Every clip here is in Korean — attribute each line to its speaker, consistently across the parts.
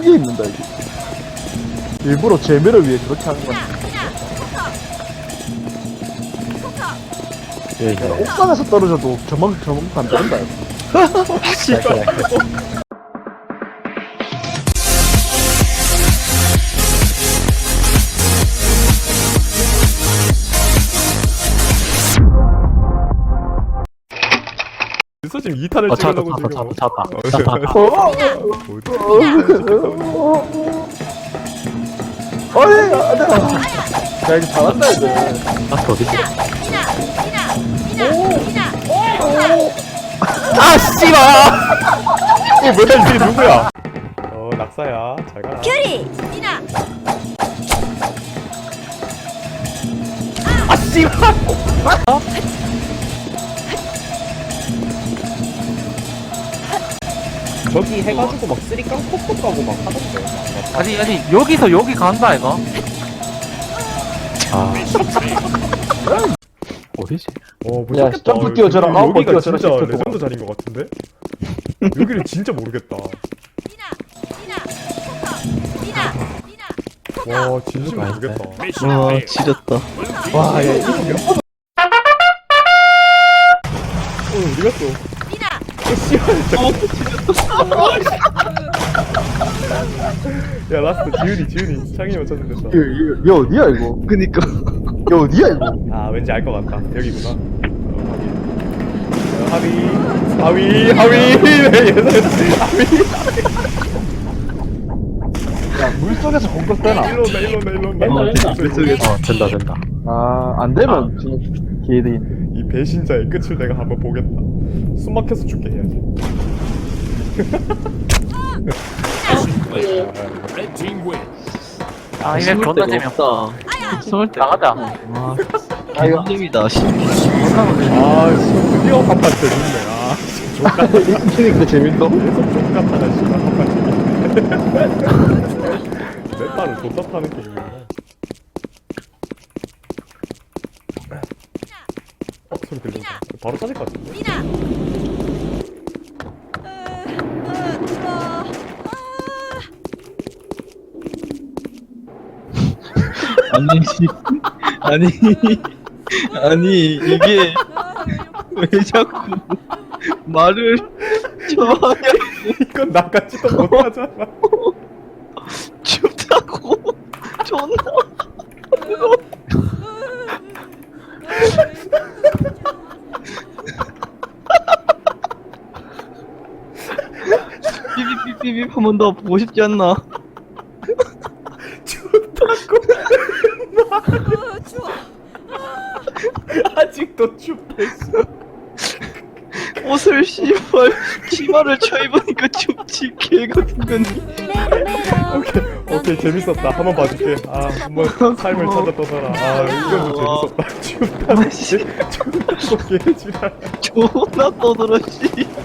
Speaker 1: 크게 입는다 이게. 일부러 재미를 위해 그렇게 하는 거야.
Speaker 2: 예,
Speaker 1: 옥상에서 떨어져도 저만큼 안 된다.
Speaker 3: 그래서 지금 2탄을 찍으려고 지금
Speaker 2: 찾았다.
Speaker 1: 어이, 안돼. 야 이제 잘한다 이제.
Speaker 2: 라스트 어디지?
Speaker 3: 아 씨발! 이게 뭐야 이게 누구야? 낙사야 잘 가라.
Speaker 4: 큐리! 미나!
Speaker 3: 아 씨발! 저기 해가지고 막 쓰리깡 콕콕 가고 막 하던데.
Speaker 2: 아니 여기서 여기 간다 이거. 아 어디지?
Speaker 3: 모르겠다.
Speaker 1: 야, 점프 뛰어져라. 아홉 번
Speaker 3: 여기가
Speaker 1: 뛰어져라,
Speaker 3: 진짜
Speaker 1: 시프트
Speaker 3: 레전드 자리인 것 같은데? 여기는 진짜 모르겠다.
Speaker 4: 미나! 미나! 미나!
Speaker 3: 와 진심 모르겠다.
Speaker 5: 와 지렸다.
Speaker 1: 와, 야 이거 몇 번?
Speaker 3: 어디 갔어?
Speaker 4: 미나!
Speaker 3: 야 라스트 지훈이 창이 맞췄으면 됐다.
Speaker 1: 이거 어디야 이거?
Speaker 5: 그니까.
Speaker 1: 이거 어디야 이거?
Speaker 3: 아 왠지 알 것 같다. 여기구나. 하위. 네, 예상했지.
Speaker 1: 야 물속에서 공격되나?
Speaker 3: 일로 온다.
Speaker 2: 된다.
Speaker 1: 아, 안 되면 지금 기회들이.
Speaker 3: 이 배신자의 끝을 내가 한번 보겠다. 숨 막혀서 죽게 해야지.
Speaker 2: 아 이게 존나 재미없다.
Speaker 5: 숨을 때.
Speaker 2: 나가자.
Speaker 5: 와,
Speaker 1: 아 이거
Speaker 5: 재밌다. 신기.
Speaker 3: 아 지금 드디어 한판 재밌네. 아 진짜 족같다.
Speaker 1: 이기니까 재밌어?
Speaker 3: 계속 족같다 씨발 한판 재밌네. 내 딸을 존나 파는 게임이야. 소리 들린다. 바로 찾을 것 같은데.
Speaker 4: 미나!
Speaker 5: 아니, 아니 이게 왜 자꾸 말을 좋아하냐?
Speaker 3: 이건 나같지도 못하잖아.
Speaker 5: 춥다고 존나. 삐삐삐삐 한 번 더 보고 싶지 않나?
Speaker 3: 춥다고.
Speaker 4: 추워!
Speaker 3: 아직도 춥대.
Speaker 5: 옷을 씨발 치마를 쳐입으니까 춥지 개 같은 거니.
Speaker 3: 오케이 재밌었다. 한번 봐줄게. 아 한번 삶을 찾아 떠나라. 아 이건 좀 재밌었다. 춥다고 개지랄.
Speaker 5: 존나 떠들어 씨.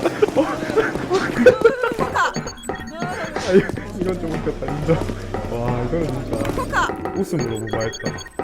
Speaker 3: 아 이건 좀 웃겼다 인정. 와 이거는 진짜 웃음으로 무마했다.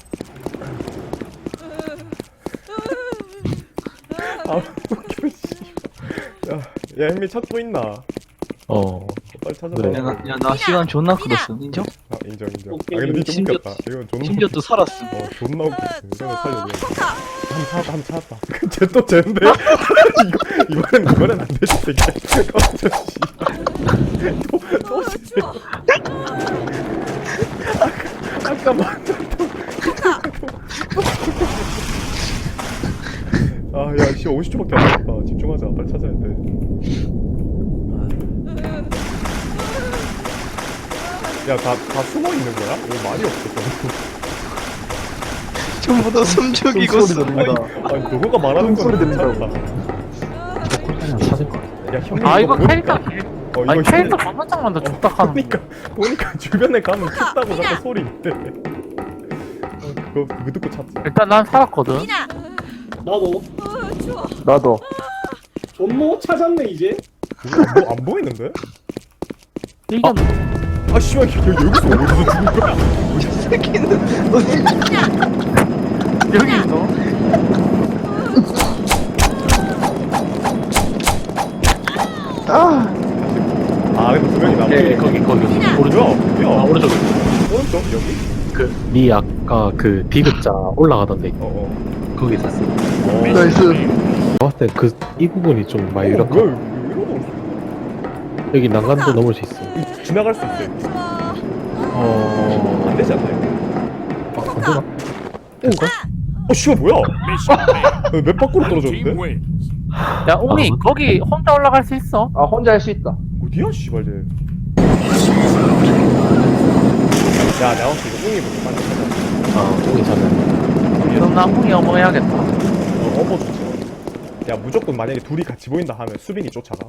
Speaker 3: 아 웃겨 씨. 야 햄미 찾고 있나? 빨리 찾아봐.
Speaker 2: 그래.
Speaker 5: 나 시간 존나 끌었어. 인정?
Speaker 3: 아 인정. 아 근데 니좀
Speaker 5: 심지어-
Speaker 3: 웃겼다. 이건 존나.
Speaker 5: 심지어 또 살았어.
Speaker 3: 존나 웃겼어. 이거는 살려줘. 한 찾았다. 쟤또 쟤인데? 이거는 안 되지 새끼야. 깜짝 씨. 또 쟤. 아까 아야 씨 50초밖에 안 남았다. 집중하자. 빨리 찾아야 돼. 야 다 숨어 있는 거야? 왜 말이 없어?
Speaker 5: 전부 다 숨죽이고
Speaker 1: 소리 들린다.
Speaker 3: 아니 너가 말하는 건
Speaker 1: 소리 들린다고.
Speaker 2: 그냥 찾을 것 같아.
Speaker 3: 야 형님
Speaker 2: 아 이거
Speaker 3: 뭐-
Speaker 2: 캐릭터. 아니
Speaker 3: 이거
Speaker 2: 캐릭터 존나 짱만다 족딱하는.
Speaker 3: 보니까 주변에 가면 춥다고 자꾸 소리 있대. 그거 듣고 찾지.
Speaker 2: 일단 난 살았거든.
Speaker 4: 미나!
Speaker 6: 나도
Speaker 4: 추워!
Speaker 1: 나도.
Speaker 6: 존모 찾았네 이제.
Speaker 3: 그거 안 보이는데?
Speaker 2: 이건
Speaker 3: 아 씨발 여기서 어디서 죽은 거야?
Speaker 5: 새끼는
Speaker 2: 여기 있어.
Speaker 1: 아,
Speaker 3: 아 방에도 두 명이 남아.
Speaker 2: 예, 거기 오른쪽.
Speaker 3: 뭐야?
Speaker 2: 아, 오른쪽.
Speaker 3: 오른쪽 여기?
Speaker 2: 니 아까 그 디귿자 올라가던데
Speaker 3: 어.
Speaker 2: 거기 있었어.
Speaker 1: 나이스.
Speaker 2: 봤을 때이 부분이 좀 많이
Speaker 3: 뭐야?
Speaker 2: 이렇게
Speaker 3: 이러고
Speaker 2: 여기 난간도 넘을 수 있어.
Speaker 3: 지나갈 수 있어요. 안 되지 않나요?
Speaker 2: 안 되나?
Speaker 3: 씨발 뭐야? 맵 밖으로 떨어졌는데?
Speaker 2: 야, 옹이 거기 혼자 올라갈 수 있어.
Speaker 1: 아 혼자 할 수 있다.
Speaker 3: 어디야 씨발 쟤. 야 내가 봤을 때 이거 웅이 먼저 빨리 찾아.
Speaker 2: 옹이 찾아. 그럼 나 옹이 어머 해야겠다.
Speaker 3: 어머 좋지. 야 무조건 만약에 둘이 같이 보인다 하면 수빈이 쫓아가.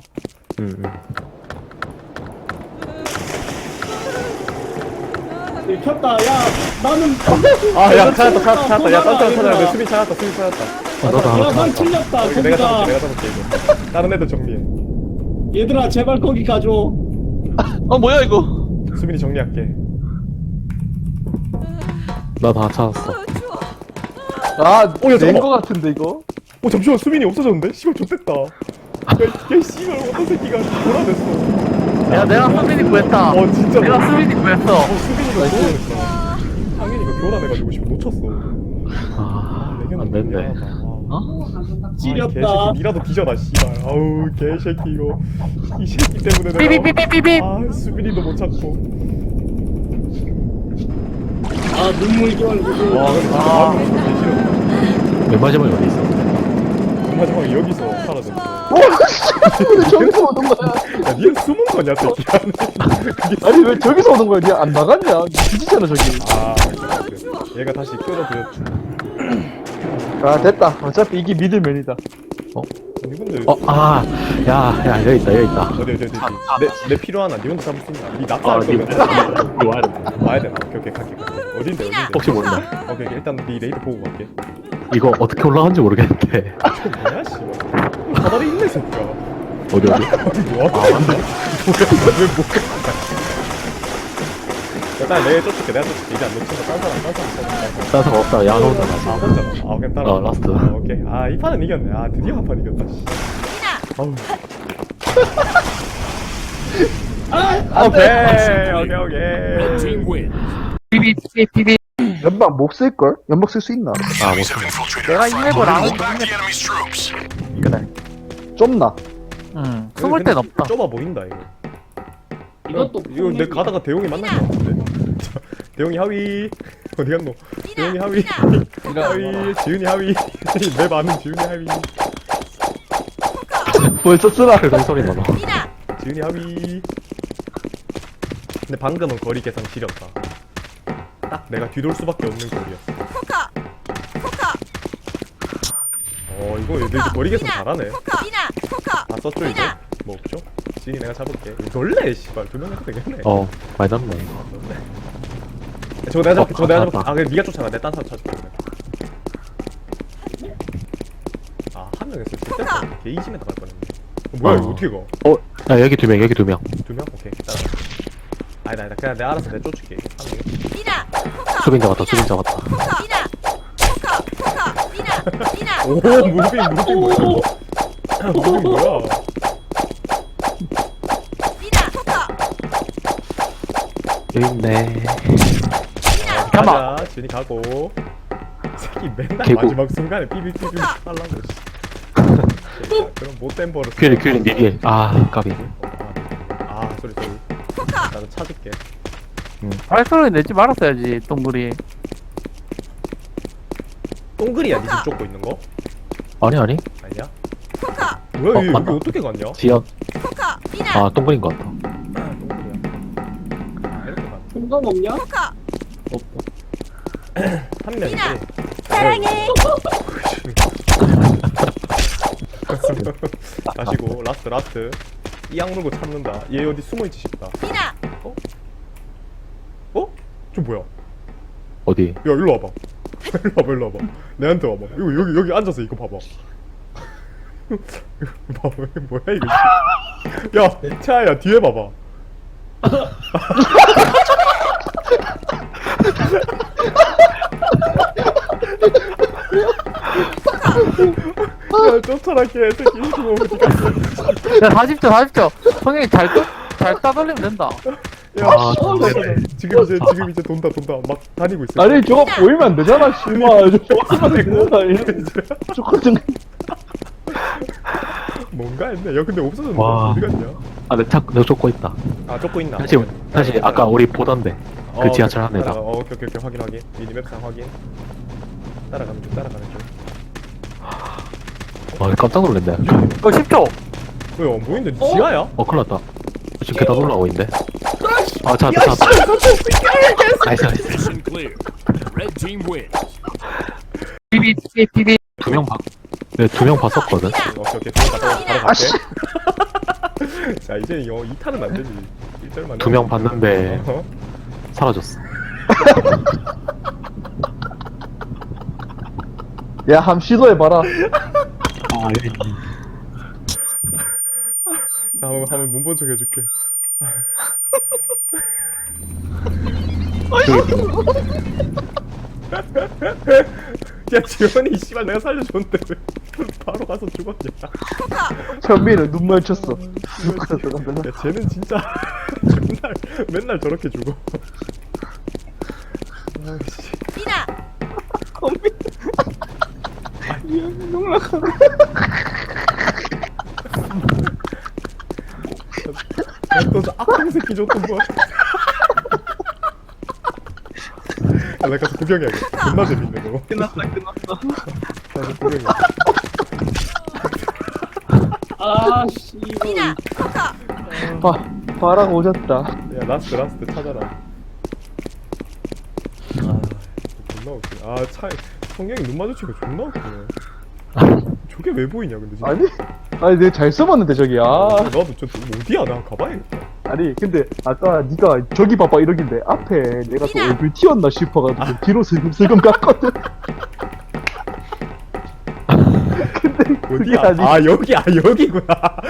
Speaker 6: 켰다. 야, 나는.
Speaker 3: 아야 찾았다. 야 딴 사람 찾아야 돼. 수빈 찾았다.
Speaker 2: 나도 하나
Speaker 6: 야, 난
Speaker 2: 찾았다.
Speaker 6: 틀렸다.
Speaker 3: 이거 내가
Speaker 6: 거기가.
Speaker 3: 잡을게 이거. 다른 애들 정리해.
Speaker 6: 얘들아, 제발 거기 가줘.
Speaker 5: 뭐야 이거?
Speaker 3: 수빈이 정리할게.
Speaker 2: 나 다 찾았어.
Speaker 4: 추워.
Speaker 1: 아,
Speaker 3: 야, 잠깐만.
Speaker 1: 낸거 같은데 이거?
Speaker 3: 잠시만 수빈이 없어졌는데? 씨발 좋댔다. 야 씨발 어떤 새끼가 돌아댔어.
Speaker 2: 야, 내가 수빈이 구했다.
Speaker 3: 진짜.
Speaker 2: 내가 수빈이 구했어.
Speaker 3: 수빈이가 돌아댔어. 상현이가 교란해가지고 씨발 놓쳤어.
Speaker 2: 안 됐네.
Speaker 6: 지렸다.
Speaker 3: 개새끼 니라도 뒤져라 씨발. 아우 개새끼 이거. 이 새끼 때문에 내가.
Speaker 2: 삐삐삐삐삐삐.
Speaker 3: 아 수빈이도 못 찾고.
Speaker 6: 아, 눈물겨울.
Speaker 3: 와 근데 진짜 마음이 진짜 개싫었다.
Speaker 2: 맨 마지막에 어디 있어?
Speaker 3: 마지막에 여기서 사라졌어.
Speaker 1: 왜 저기서 오는 거야?
Speaker 3: 야 니는 숨은 거냐 새끼야. 그게
Speaker 1: 아니 왜 저기서 오는 거야? 니안 나갔냐? 뒤지잖아 저기.
Speaker 3: 그래. 얘가 다시 끌어들였지.
Speaker 1: 아 됐다. 어차피 이게 믿을면이다.
Speaker 3: 아니 근데
Speaker 2: 야, 여기 있다.
Speaker 3: 어디 내 필요하나? 니 혼자 잡을 수 있나? 니 납치할
Speaker 2: 니
Speaker 3: 거면
Speaker 2: 이거 와야 돼.
Speaker 3: 와야 되나? 오케이 갈게. 어딘데?
Speaker 2: 혹시 몰라.
Speaker 3: 오케이 일단 네 레이드 보고 갈게.
Speaker 2: 이거 어떻게 올라간지 모르겠는데.
Speaker 3: 저 뭐야 씨발. 사다리 있네 새끼야.
Speaker 2: 어디?
Speaker 3: 뭐야?
Speaker 2: 맞네.
Speaker 3: 왜 일단 내가 쫓을게. 이제 안 놓친다. 딴 사람
Speaker 2: 따서 없다. 야, 혼자
Speaker 3: 아
Speaker 2: 나서.
Speaker 3: 혼자. 그냥 따라.
Speaker 2: 라스트.
Speaker 3: 오케이. 이 판은 이겼네. 드디어 한 판 이겼다. 씨. 아우. 오케이.
Speaker 2: 삐삐삐삐.
Speaker 1: 연막 못 쓸걸? 연막 쓸 수 있나?
Speaker 2: 내가 이 맵을 안 했는데. 그래.
Speaker 1: 좁나?
Speaker 2: 응. 숨을 땐 없다.
Speaker 3: 좁아 보인다 이거.
Speaker 6: 이것도
Speaker 3: 이거 내 가다가 대용이 만난 거 같은데. 대용이 하위. 어디 갔노? 대용이 하위. 하위. 지훈이 하위. 내 많은 지훈이 하위.
Speaker 1: 벌써 쓰라.
Speaker 2: 그런 소리 나나.
Speaker 3: 지훈이 하위. 근데 방금은 거리 계산 지렸다. 딱 내가 뒤돌 수밖에 없는 거리였어. 이거 얘들 이제 거리 계산 잘하네. 다 썼죠 이제? 뭐 없죠? 지훈이 내가 잡을게. 놀래 씨발 2명 해도 되겠네.
Speaker 2: 많이 남네.
Speaker 3: 저거 내가 잡을게.
Speaker 2: 찾았다.
Speaker 3: 그래 네가 쫓아가. 내 딴 사람 찾을게. 한 명 했을 때 게이지메다 갈 뻔했네. 뭐야 이거 어떻게 가?
Speaker 2: 야, 여기 두 명.
Speaker 3: 2명? 오케이 따라. 아니다 그냥 내가 알아서 내가 쫓을게.
Speaker 2: 수빈 잡았다.
Speaker 3: 오 무빙 뭐야? 무빙 뭐야?
Speaker 2: 여기 있네.
Speaker 3: 가자. 지훈이 가고. 새끼 맨날
Speaker 2: 개구.
Speaker 3: 마지막 순간에 삐삐삐삐 하려고. 그럼 못된 버릇.
Speaker 2: 큐리 니리에. 까비.
Speaker 3: 소리. 나도 찾을게.
Speaker 2: 발소리 내지 말았어야지, 동굴이.
Speaker 3: 동글이야 니 집 쫓고 있는 거?
Speaker 2: 아니.
Speaker 3: 아니야? 뭐야 여기
Speaker 2: 맞다.
Speaker 3: 어떻게 갔냐?
Speaker 2: 지연. 동굴인 것 같다.
Speaker 3: 동글이야. 이렇게 가.
Speaker 6: 공감 없냐?
Speaker 3: 한 명이지.
Speaker 4: 사랑해.
Speaker 3: 가시고 라스트. 이 악물고 참는다. 얘 어디 숨어있지 싶다. 저 뭐야?
Speaker 2: 어디?
Speaker 3: 야 일로 와봐. 일로 와봐. 내한테 와봐. 이거 여기 앉아서 이거 봐봐. 이거 봐봐. 이거 뭐야 이거? 야 차야 뒤에 봐봐. 야 쫓아라 개새끼. 이거 어디 갔어?
Speaker 2: 야, 40초. 성현이 잘 끄? 잘 따돌리면 된다.
Speaker 3: 야,
Speaker 7: 아,
Speaker 3: 지금 이제 돈다. 막 다니고 있어.
Speaker 1: 아니 저거 보이면 안 되잖아 씨발. 저거 보이면 안 되잖아. 조금
Speaker 3: 뭔가 했네. 야, 근데 없어졌네.
Speaker 7: 와.
Speaker 3: 어디 갔냐?
Speaker 7: 아, 내가 쫓고 있다.
Speaker 3: 아, 쫓고 있나?
Speaker 7: 다시 아까 우리 보던데. 그 지하철 한 대다.
Speaker 3: 오케이. 확인. 미니맵상 확인. 따라가는 중.
Speaker 7: 와, 깜짝 놀랐네.
Speaker 2: 10초.
Speaker 3: 왜 안 보이는데? 지하야?
Speaker 7: 큰일 났다. 지금 계단 올라오고 있는데. 아, 찾았다. 나이스.
Speaker 8: Mission clear. Red team win.
Speaker 2: 비비.
Speaker 7: 네, 2명 봤었거든.
Speaker 3: 오케이. 바로 갈게. 자, 이제 2탄은 안 되지. 1절만.
Speaker 7: 2명 봤는데 사라졌어.
Speaker 1: 야, 함 시도해봐라.
Speaker 7: 아,
Speaker 3: 자, 한번 문본 척 해줄게. 야, 지원이 씨발 내가 살려줬는데 왜 바로 가서 죽었냐?
Speaker 1: 현민은 눈 마주쳤어.
Speaker 3: 야, 쟤는 진짜 맨날 저렇게 죽어. 아이씨.
Speaker 4: 미나.
Speaker 3: 야, 또 저 악당 새끼 줬던 거야. 야, 나 가서 구경해야겠다. 존나 재밌네 너.
Speaker 5: 끝났어.
Speaker 3: 가서 구경해.
Speaker 6: 아 씨발.
Speaker 4: 미나.
Speaker 1: 바람 오졌다.
Speaker 3: 야, 라스트 찾아라. 아, 존나 웃기네. 아, 성경이 눈 마주치고 존나 웃기네. 저게 왜 보이냐 근데 진짜.
Speaker 1: 아니 내가 잘 써봤는데 저기.
Speaker 3: 나도 저 어디야? 나 가봐야겠다.
Speaker 1: 아니 근데 아까 네가 저기 봐봐 이러길래 앞에 내가 또 얼굴 튀었나 싶어가지고 뒤로 슬금슬금 갔거든. 근데 그게
Speaker 3: 어디야?
Speaker 1: 아니.
Speaker 3: 여기구나.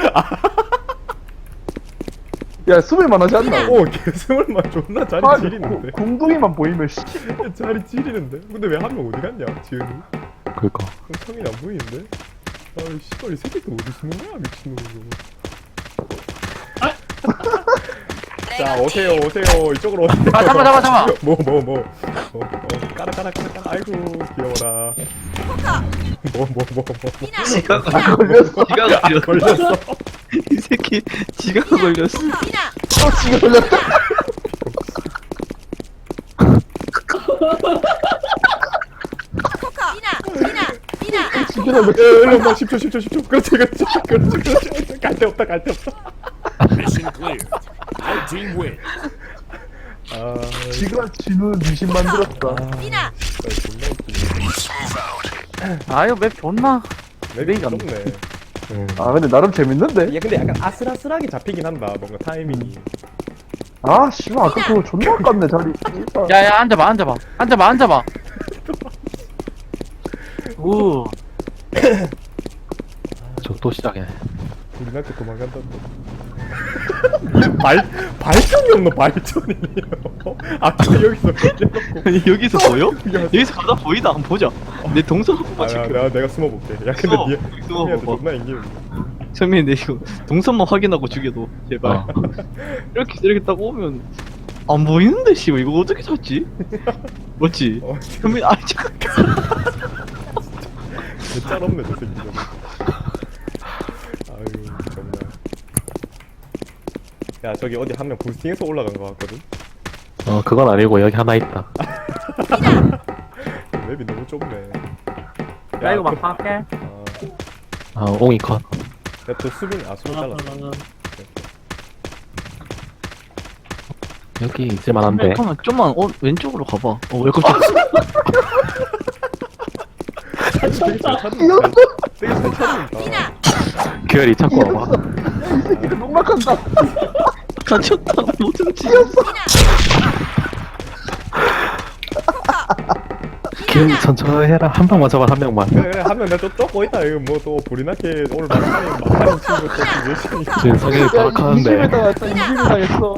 Speaker 1: 야 숨을만 하지 않나?
Speaker 3: 개스물만 존나 자리 지리는데.
Speaker 1: 궁둥이만 보이면 씨.
Speaker 3: 자리 지리는데. 근데 왜 한 명 어디 갔냐? 지은이.
Speaker 7: 그니까.
Speaker 3: 성인이 안 보이는데? 아이 씨발 이 새끼 또 어디 숨은 거야 미친놈이. 자 오세요 이쪽으로 오세요.
Speaker 2: 아, 잠깐만.
Speaker 3: 뭐 까라 아이고 귀여워라.
Speaker 4: 미나.
Speaker 5: 지가
Speaker 1: 걸렸어.
Speaker 5: 걸렸어. 이 새끼 지가 걸렸어.
Speaker 4: 미나.
Speaker 1: 지금 걸렸다.
Speaker 4: 코카. 미나.
Speaker 1: 지금 걸렸다.
Speaker 3: 일로 막 10초 그렇지 갈 데 없다
Speaker 8: Mission clear. Red team win.
Speaker 3: 아
Speaker 1: 지가 지는 미신 만들었다.
Speaker 4: 미나.
Speaker 3: 존나 웃기네.
Speaker 2: 아유 맵 존나.
Speaker 3: 맵이 좁네.
Speaker 1: 아 근데 나름 재밌는데?
Speaker 3: 야 근데 약간 아슬아슬하게 잡히긴 한다 뭔가 타이밍이.
Speaker 1: 아 씨발 아까 그거 존나 아깝네 자리.
Speaker 2: 야야 앉아봐. 우.
Speaker 7: 저 또 시작이네.
Speaker 3: 우리한테 도망간다고. 발전이 없노 발전이. 아까 여기서 걸려놓고.
Speaker 5: 여기서 보여? 여기서 가다 보이다. 한번 보자. 내 동선 한 번만 체크.
Speaker 3: 내가 숨어볼게. 야 근데
Speaker 5: 숨어.
Speaker 3: 니한테
Speaker 5: 숨어봐봐.
Speaker 3: 존나 인기는.
Speaker 5: 선배님 내 이거 동선만 확인하고 죽여도 제발. 이렇게 딱 오면 안 보이는데 씨발 이거 어떻게 찾지? 맞지? 선배님 아 잠깐.
Speaker 3: 개짤 없네 저 새끼 저거. 아유 정말. 야 저기 어디 한 명 부스팅해서 올라간 거 같거든.
Speaker 7: 그건 아니고 여기 하나 있다.
Speaker 3: 맵이 너무 좁네.
Speaker 2: 야 이거 막 할게.
Speaker 7: 옹이 컷.
Speaker 3: 야또 수빈 잘랐어.
Speaker 7: 여기 있을만한데.
Speaker 5: 잠깐만 좀만 왼쪽으로 가봐. 왜 깜짝?
Speaker 3: 되게 잘 찾는다.
Speaker 4: 미나.
Speaker 7: 규열이 찾고 와봐.
Speaker 1: 농락한다.
Speaker 5: 갇혔다. 모든 지.
Speaker 7: 규열이 천천히 해라. 한 방만 잡아, 한 명만.
Speaker 3: 그래 한 명 내가 또 쫓고 있다. 이거 뭐 또 불이 나게 오늘 막하는 친구 또 열심히.
Speaker 7: 지금 성격이 버럭하는데.
Speaker 1: 20일 당했어. 20일 당했어.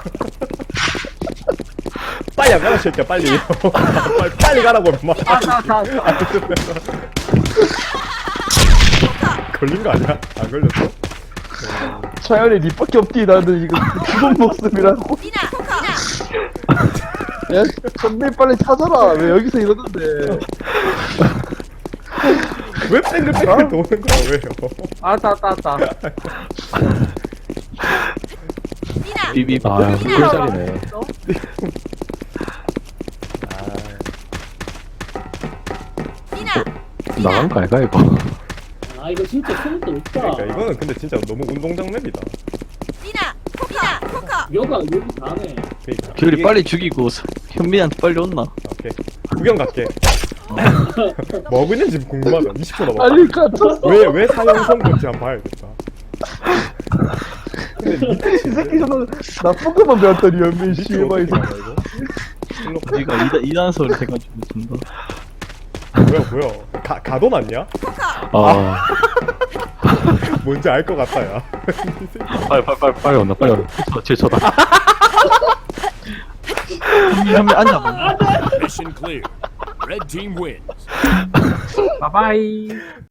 Speaker 3: 빨리 안 가라 새끼야 빨리. 빨리 가라고 임마. 걸린 거 아니야? 안 걸렸어?
Speaker 1: 차연이 니밖에 없디. 나는 이거 죽은 목숨이라고.
Speaker 4: 미나 포커
Speaker 1: 야, 선배 빨리 찾아라. 왜 여기서 이러는데?
Speaker 3: 왜 뺑글뺑글 도는 거야 왜요?
Speaker 2: 알았다.
Speaker 4: 미나
Speaker 5: 비비.
Speaker 7: 아 꿀짝이네.
Speaker 4: 미나
Speaker 7: 나간 거 알까 이거?
Speaker 6: 아 이거 진짜 소문도 없다.
Speaker 3: 그러니까 이거는 근데 진짜 너무 운동장 맵이다.
Speaker 4: 미나 포커
Speaker 6: 여가 여기 다네.
Speaker 3: 그러니까
Speaker 5: 귤이
Speaker 3: 이게-
Speaker 5: 빨리 죽이고 현민한테 빨리 온나.
Speaker 3: 오케이 구경 갈게. 뭐 하고 있는지 궁금하다. 20초 남았다.
Speaker 1: 빨리 갇혔어.
Speaker 3: 왜 사형선 건지 한번 봐야겠다. 근데 밑에
Speaker 1: 이 새끼 저는 나쁜 것만 배웠더니 연민 씨.
Speaker 3: 밑에
Speaker 1: 막
Speaker 3: 어떻게
Speaker 1: 이제
Speaker 3: 가냐 이거? 일로 가.
Speaker 5: 네가 이단설을 해가지고 준다.
Speaker 3: 뭐야? 가도 맞냐?
Speaker 7: 아
Speaker 3: 뭔지 알 것 같다 야.
Speaker 7: 빨리 온다 빨리 온다. 7초다.
Speaker 5: 현민 앉아봐.
Speaker 8: Mission clear. Red team wins.
Speaker 2: 바바이.